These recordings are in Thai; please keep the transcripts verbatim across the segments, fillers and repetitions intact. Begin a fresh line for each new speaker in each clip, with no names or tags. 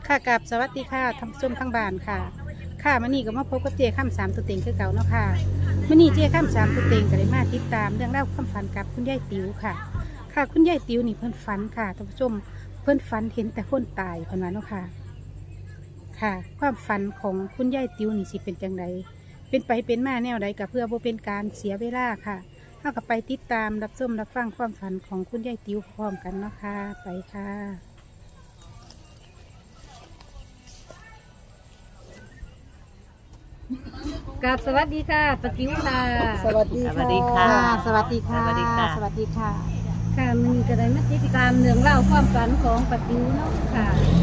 ค่ะกับสวัสดีค่ะท่านผู้ชมทั้งบ้านค่ะค่ะมื่อนี้ก็มาพบกับเจข้ามสามตัวเต็งคือเก่าเนาะค่ะมื่อนี้เจข้ามสามตัวเต็งก็เลยมาติดตามเรื่องเล่าวความฝันกับคุณยายติ๋วค่ะ ค่ะคุณยายติ๋วนี่เพิ่นฝันค่ะท่านผู้ชมเพิ่นฝันเห็นแต่คนตายเพิ่นว่าเนาะค่ะค่ะ ความฝันของคุณยายติ๋วนี่สิเป็นจังไดเป็นไปเป็นมาแนวใดก็เพื่อบ่เป็นการเสียเวลาค่ะเฮาก็ไปติดตามรับชมรับฟังความฝันของคุณยายติ๋วพร้อมกันเนาะค่ะไปค่ะกับสวัสดีค่ะปะติ๋วค่ะ
สวัสดี
สวัสดีค่ะ
สวัสดีค่ะ
สวัสดีค่ะ
สวัสดีค่ะ
ค่ะมันก็ได้มาติดตามเรื่องเล่าวความฝันของปะติ๋วเนาะค่ะ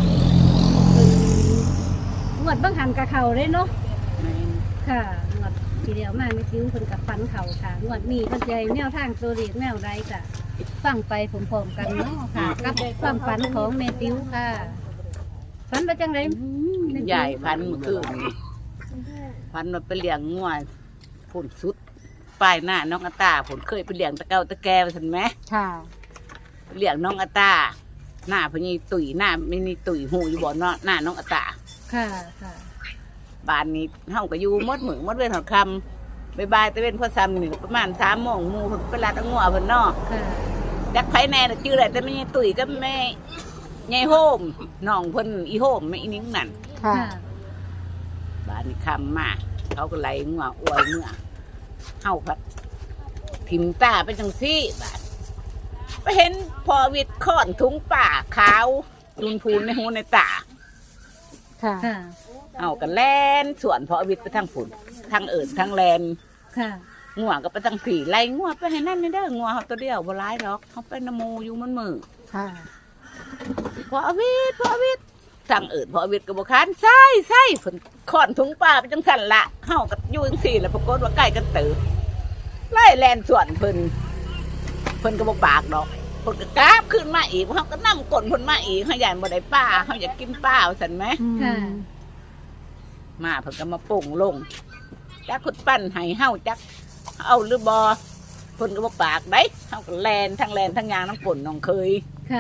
เป็นงวดบังหันกับเขาเลยเนาะค่ะงวดทีเดียวมาไม่ติ๋วคนกับฝันเขาค่ะงวดนี้เพิ่นใจแนวทางตัวเลขแนวใดจ้ะฟังไปพร้อมๆกันเนาะค่ะกับความฝันของแม่ติ๋วค่ะฝันว่าจังไดแม่ติ๋ว
ใหญ่พันเมื่อคืนนี่พันมันไปเลี้ยงงัวผลสุดป้ายหน้าน้องอาตาผลเคยไปเลี้ยงตะเกาตะแกวสันไหม
ค่ะ
ไปเลี้ยงน้องอาตาหน้าพญีตุ๋ยหน้าไม่นี่ตุ๋ยหูอยู่บ่อเนาะหน้าน้องอาตา
ค่ะค่ะ
บ้านนี้เฮาก็อยู่มดมือมดเว้นหอดคำบายบายตะเว้นพ่อซ้ำนี่ประมาณสามโมงหมูเพิ่นไปลาดเอางัวเพิ่นเนาะ
ค่ะ
จักไผแน่น่ะชื่ออะไรแต่ไม่ใช่ตุ๋ยก็แม่ยายโฮมน้องเพิ่นอีโฮมแม่อีนิ้งนั่น
ค่ะ
ค่ะ
บ้านนี้คำมาเขาก็ไหลงัวอวยเมื่อเฮาพัดถิ่มตาไปจังซี่บาดไปเห็นพอวิทย์ค้อนถุงป่าขาวจุนพูนในหูในตา
ค่ะ
ค่ะ
เอากันแลนสวนพอวิทย์ไปทางฝุ่นทางเอิญทางแลน
ค่ะ
งัวก็ไปทางผีไล่งัวไปให้นั่นนี่เด้องัวเขาตัวเดียวบ่ร้ายหรอกเขาไปนโมอยู่มันมือ
ค่ะ
พอวิทย์พอวิทย์ทางเอิญพอวิทย์ก็บ่ค้านใช่ใช่ฝนค้อนถุงป่าไปจังสั่นละเฮาก็อยู่จังซี่แล้วปรากฏว่าใกล้กันเติบไล่แลนสวนเพิ่นเพิ่นก็บ่ปากดอกเพิ่นก็กราบขึ้นมาอีกเฮาก็นำก้นเพิ่นมาอีกเฮาย่านบ่ได้ป้าเฮาอยากกินป้าว่าซั่นแหม
ค่ะ
มาเพิ่นก็มาป่งลงจักขุดปั้นให้เฮาจักเอาหรือบ่เพิ่นก็บ่ปากได้เฮาก็แลนทั้งแลนทั้งยางทั้งป่นน้องเคย
ค่ะ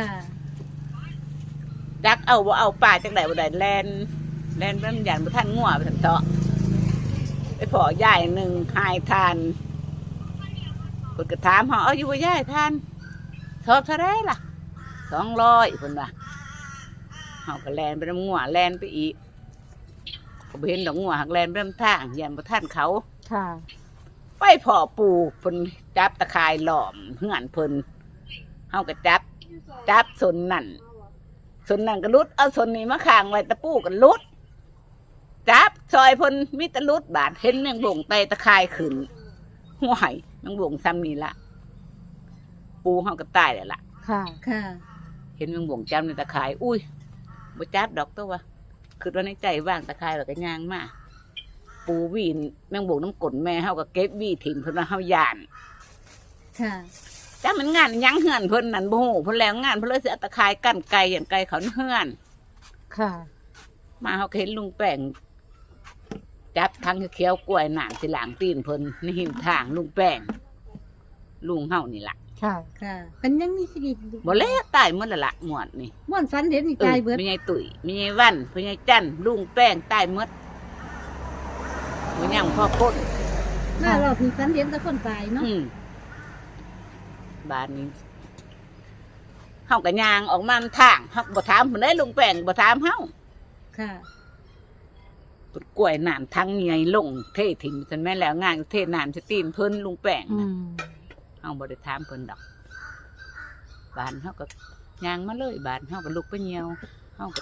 จักเอาบ่เอาป้าจังได๋บ่ได้แลนแลนเบิ่งย่านบ่ทันงัวไปซั่นเถาะไปพอยายหนึงหายทานเพิ่นก็ถามเฮาเอาอยู่บ่ยายทานสอบเท่าไดล่ะสองร้อยเพิ่นว่าเฮาก็แลนไปนำงัวแลนไปอีกก็บ่เห็นดอกงัวหักแลนไปนำทางย่านบ่ทันเขา
ค่ะ
ไปพ่อปูเพิ่นจับตะข่ายหลอมเหือนเพิ่นเฮาก็จับจับสนนั่นสนนั่นก็ลุดเอาสนนี้มาข้างไว้ตะปูก็ลุดจับซอยเพิ่นมีแตะลุดบาดเห็นแมงบ่งไตตะข่ายขึ้นห่วยแมงบ่งซ้ำนี่ละปูเฮาก็ตายแล้วล่ะ
ค่ะ
ค่ะ
เห็นแมงบ่งจำในตะข่ายอุ้ยบ่จับดอกตัววะคือว่าในใจว่างตะข่ายแล้วก็ย่างมาปูวีนแมงบ่งน้ำกลนแม่เฮาก็เก็บวีถิ่มเพิ่นว่าเฮาย่าน
ค่ะ
จ้ามันงานยังเฮือนเพิ่นนั่นบ่ฮู้เพิ่นแล้วงานเพิ่นเลยสิเอาตะคายกั้นไก่อย่างไก่เขาเฮือน
ค่ะ
มาเฮาก็เห็นลุงแป้งจับทั้งเขียวกล้วยหนามสิหลางตีนเพิ่นในหิมทางลุงแป้งลุงเฮานี่ล่ะ
ค่ะ
ค่ะเป็นยังมีชีวิตอยู่
บ่แล้วตายหมดแล้วล่ะหมวดนี่
ม่วนฝันเห็นนี่
เออ
ตายเบิด
แม่ใหญ่ตุ๋ยแม่ใหญ่วันพ่อใหญ่จันลุงแป้งตายหมดบ่ยังพ่อคน
มารอบนี้ฝันเห็นแต่คนตายเนาะ
อืมบ้านนี้เฮาก็ย่างออกมาทางเฮาบ่ถามเพิ่นได้ลุงแป้งบ่ถามเฮา
ค่ะ
ปุดกล้วยน้ำทั้งใหญ่ลงเทถิ่มจนแม่นแล้วงานเทน้ำจะตีนเพิ่นลุงแป้ง
อื
นะ
ม
เฮาบ่ได้ถามเพิ่นดอกบ้านเฮาก็ย่างมาเลยบ้านเฮาก็ลุกไปเหี่ยวเฮาก็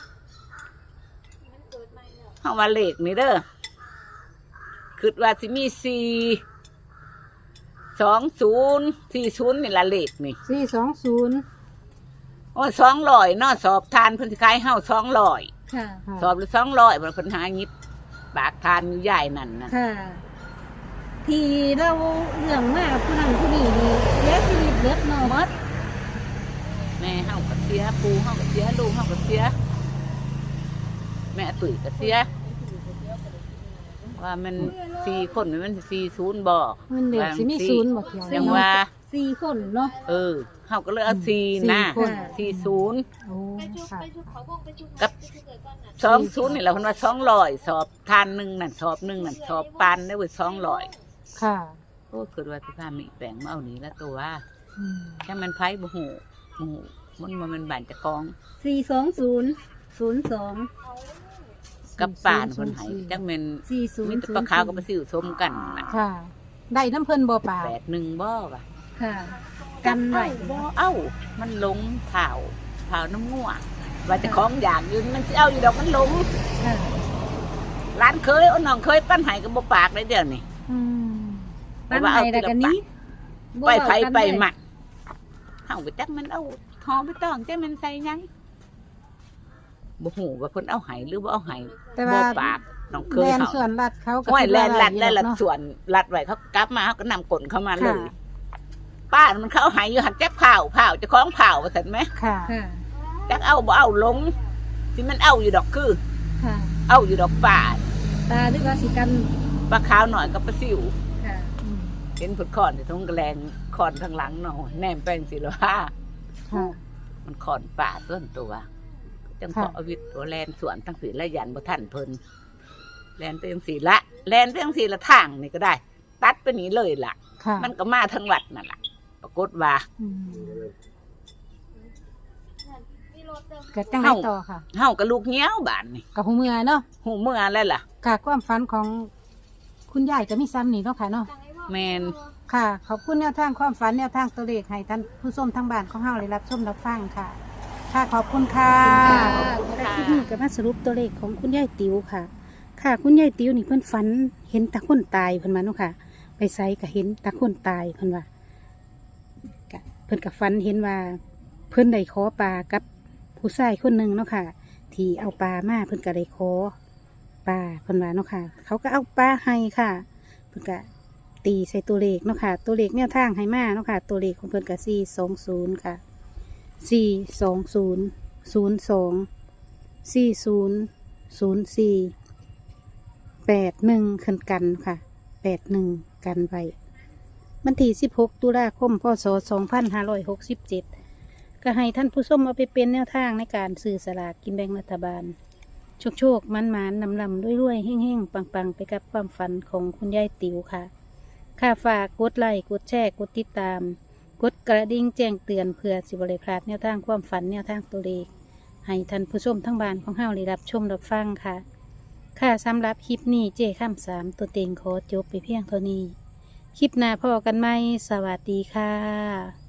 เฮาว่าเลขนี่เด้อคิดว่าสิมีสี่สองศูนย์สี่ศูนย์นี่ละเลขนี่
สี่สองศูนย์
โอ้สองร้อยเนาะสอบทานเพิ่นสิขายเฮาสองร้อย
ค่ะ
สอบหรือสองร้อยเพิ่นหายิบปากทานอยู่ใหญ่นั่นน่ะ
ค่ะ ที่เราเรื่องมากผู้นั้นผู้นี้นี่เสียชีวิตเบิดเนาะ
หมดแม่เฮาก็เสียปูเฮาก็เสียลูกเฮาก็เสียแม่ตุ๋ยก็เสียว่ามันสี่คนมันสี่ศูนย์บ่
มันเด็กสิมีศูนย์บ่เที่ยว
ยังว่า
สสี่คนเนาะ
เออเฮาก็เลยเอาสี่
สี่
นะ
คน
สี่ศูนย์
โอ้ค่ะ
กับสองศูนย์นี่แหละเพิ่นว่าสองร้อยสอบทานหนึ่งนั่นสอบหนึ่งนั่นสอบปานได้เว้ยสองร้อย
ค่ะ
โอ้คือว่าที่พามีแปลงมาเอานี้แล้วตัวว่า
อืม
จังมันไผบ่ฮู้บ่ฮู้มันบ่แมันบ้านเจ้าของ
สี่สองศูนย์ศูนย์สอง
กับป่านเพิ่นให้จังแม่น
สี่ศูน
มี
ย์
แต่ปลาขาวกับปลาซิวสมกันน่ะ
ค่ะ ได้น้ำเพิ่นบ่ป่า
แปดหนึ่งบ่ว่ะ
ค่ะ กันไว้
บ่เอ้ามันหลงเผาเผาน้ำงัวว่าเจะของอยากอยู่มันสิเอาอยู่ดอกมันหลง
ค่ะ
ร้านเคยเอาน้องเคยปั้นให้ก็บ่ปากได้เดี๋ยวนี้
อืม
ปันไห้แล้วกันนี้
ไปไผไปมักเฮาก็จักมันเอาทองไปต้องจักมันใส่หยังบ่ฮู้ว่าเพิ่นเอาให้หรือบ่เอาให้
แต่
บ่
ว่า
ปากน้องเคย
แดน
เขา
ส่วนรัดเขาก็
ห้วยแลนลัด
คิ
ได้
ว่าห
ละ
อยู่เนาะ
ส่วนลัดไว้เขากลับมาเขาก็นำกลนเข้ามาเลย
ค่ะ
ป้ามันเขาเอาให้อยู่หันจักเผาเผาเจะคล้าของเผาว่าซั่นไหม
ค่ะ
ค่ะ
จักเอาบ่เอาลงสิมันเอาอยู่ดอกคือ
ค่ะ
เอาอยู่ดอกป่า
ตาหรือว่าสิกัน
ปลาขาวหน่อยกับปลาซิว
ค่ะ
อืม
เห็นผุดคอนที่ทุ่งกระแลงคอนทางหลังหน่อยแนมแป้งสิละว่า
ค่ะ
มันคอนป่าต้นตัวจัง
ค่ะ
พอเอาวิทย์ตัวแลนสวนทั้งสีละยันบ่ทันเพิ่นแลนไปจังสีละแลนไปจังสีละทางนี่ก็ได้ ตัดไปนี้เลยล่ะ
ค่ะ
มันก็มาทั้งวัดนั่นล่ะปรากฏว่า
อืมเกิดจังไรต่อค่ะ
เฮากับลูกเงี้ยวบานนี่
กับหูเมือเนาะ
หูเมื่อแล้วล่ะ
กะความฝันของคุณยายก็มีซ้ำนี่เนาะค่ะเนาะ
แมน
ค่ะ ขอบคุณแนวทางความฝันแนวทางตัวเลขให้ท่านผู้ชมทางบ้านของเฮาได้รับชมรับฟังค่ะ ค่ะขอบคุณค่ะ
ขอบคุณ
และ
ค่ะ
คลิปนี้ก็มาสรุปตัวเลขของคุณยายติ๋วค่ะ ค่ะ คุณยายติ๋วนี่เพิ่นฝันเห็นตาคนตายเพิ่นมาเนาะค่ะ ไปไสก็เห็นตาคนตายเพิ่นว่าก็เพิ่นก็ฝันเห็นว่า เพิ่นได้ขอปลากับผู้ชายคนหนึ่งเนาะค่ะ ที่เอาปลามาเพิ่นก็ได้ขอปลาเพิ่นว่าเนาะค่ะ เขาก็เอาปลาให้ค่ะ เพิ่นก็ตีใส่ตัวเลขเนาะค่ะ ตัวเลขแนวทางให้มาเนาะค่ะ ตัวเลขของเพิ่นก็สี่สองศูนย์ค่ะสี่สองศูนย์ศูนย์สองสี่ศูนย์ศูนย์สี่แปดหนึ่งขึ้นกันค่ะแปดหนึ่งกันไว้วันที่สิบหกตุลาคมพศสองพันห้าร้อยหกสิบเจ็ดก็ให้ท่านผู้ชมเอาไปเป็นแนวทางในการซื้อสลากกินแบ่งรัฐบาล โชคโชคมันมันนำลำด้วยรวยๆเฮ่งเฮ่งปังปังๆ ไปกับความฝันของคุณยายติ๋วค่ะ ค่าฝากกดไลค์กดแชร์กดติดตาม กดกระดิ่งแจ้งเตือนเพื่อสิบริพลาดแนวทางความฝันแนวทางตัวเลขให้ท่านผู้ชมทั้งบ้านของเฮาได้รับชมรับฟังค่ะ ค่ะสำหรับคลิปนี้เจ้ข้ามสามตัวเต็งขอจบไปเพียงเท่านี้ คลิปหน้าพอกันไหมสวัสดีค่ะ